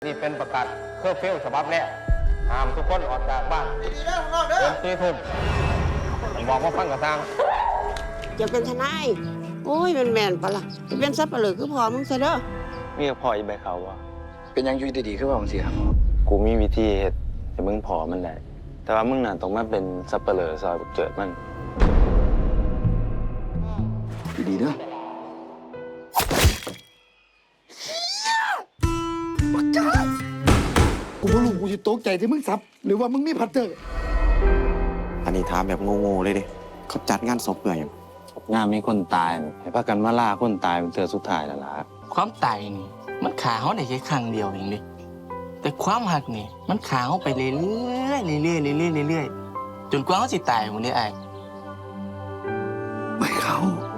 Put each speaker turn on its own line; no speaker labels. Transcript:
นี่เป็นประกาศเคอร์ฟิวฉบับแรกห้ามทุกคนออกจากบ้านเกิน4 ทุ่มผมบอกว่าฟังกระซัง
จะเป็นทนายโอ้ยแม่นปะล่ะจะเป็นซับปะเหลือคือพอมึงซะเด้อ
มีกับพ่ออีใบเขาวะ
เป็นยังอยู่ดีๆขึ้นมาบางทีครับ
กูมีวิธีเฮ็ดให้มึงพอมันได้แต่ว่ามึงน่ะต้องมาเป็นสับเปลือซอยเกิดมัน
ดีๆเด้อบักจ้ากูบ่รู้กูจะตกใจที่มึงซับหรือว่ามึงมีพัตเตอร์
อันนี้ถามแบบโง่ๆเลยดิเขาจัดงานศพเปื่อยง
งานมีคนตายให้พากันมาล่าคนตายเป็นเตือสุดท้ายแล้วล่ะ
ความตายนี่มันขาเขาได้แค่ครั้งเดียวเองดิแต่ความหักนี่มันขาเขาไปเรื่อยๆเรื่อยๆเรื่อยๆเรื่อยๆจนกว่าเขาสิตายหมดเลยไอ้
ไม่เขา